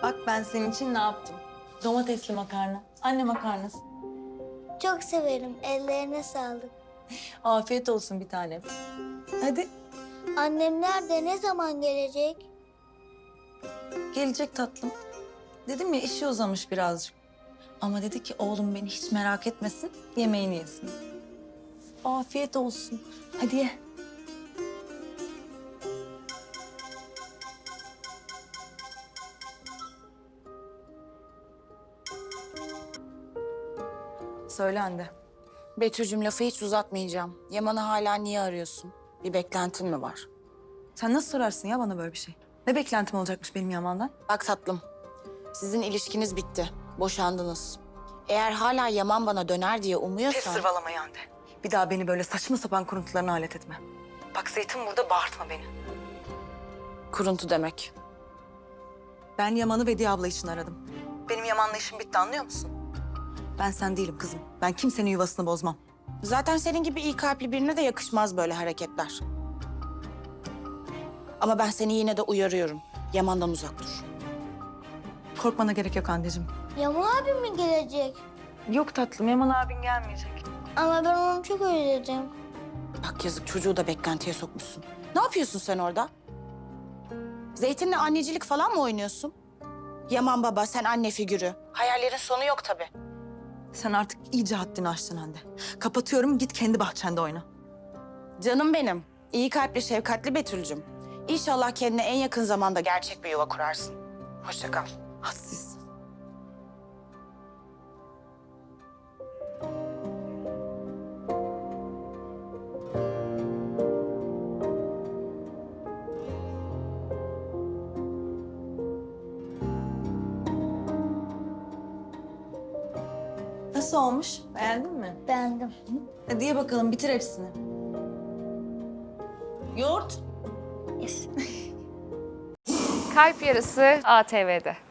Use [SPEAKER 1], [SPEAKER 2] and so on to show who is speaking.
[SPEAKER 1] Bak ben senin için ne yaptım? Domatesli makarna. Anne makarnası.
[SPEAKER 2] Çok severim. Ellerine sağlık.
[SPEAKER 1] Afiyet olsun bir tanem. Hadi.
[SPEAKER 2] Annem nerede? Ne zaman gelecek?
[SPEAKER 1] Gelecek tatlım. Dedim ya işi uzamış birazcık. Ama dedi ki oğlum beni hiç merak etmesin, yemeğini yesin. Afiyet olsun. Hadi ye. Söyle Hande.
[SPEAKER 3] Betül'cüm lafı hiç uzatmayacağım. Yaman'ı hala niye arıyorsun? Bir beklentin mi var?
[SPEAKER 1] Sen nasıl sorarsın ya bana böyle bir şey? Ne beklentim olacakmış benim Yaman'dan?
[SPEAKER 3] Bak tatlım, sizin ilişkiniz bitti. Boşandınız. Eğer hala Yaman bana döner diye umuyorsan...
[SPEAKER 1] Sırvalamayı Hande. Bir daha beni böyle saçma sapan kuruntularına alet etme. Bak Zeytin burada bağırtma beni.
[SPEAKER 3] Kuruntu demek.
[SPEAKER 1] Ben Yaman'ı Vediye abla için aradım. Benim Yaman'la işim bitti anlıyor musun? Ben sen değilim kızım. Ben kimsenin yuvasını bozmam.
[SPEAKER 3] Zaten senin gibi iyi kalpli birine de yakışmaz böyle hareketler. Ama ben seni yine de uyarıyorum. Yaman'dan uzak dur.
[SPEAKER 1] Korkmana gerek yok anneciğim.
[SPEAKER 2] Yaman abim mi gelecek?
[SPEAKER 1] Yok tatlım Yaman abin gelmeyecek.
[SPEAKER 2] Ama ben onu çok özledim.
[SPEAKER 3] Bak yazık çocuğu da beklentiye sokmuşsun. Ne yapıyorsun sen orada? Zeytin'le annecilik falan mı oynuyorsun? Yaman baba, sen anne figürü. Hayallerin sonu yok tabii.
[SPEAKER 1] Sen artık iyice haddini aştın Hande. Kapatıyorum git kendi bahçende oyna.
[SPEAKER 3] Canım benim. İyi kalpli, şefkatli Betül'cüm. İnşallah kendine en yakın zamanda gerçek bir yuva kurarsın. Hoşça kal.
[SPEAKER 1] Hadsiz. Nasıl olmuş? Beğendin mi?
[SPEAKER 2] Beğendim.
[SPEAKER 1] Hadi ye bakalım bitir hepsini. Yoğurt.
[SPEAKER 4] Kalp Yarısı ATV'de.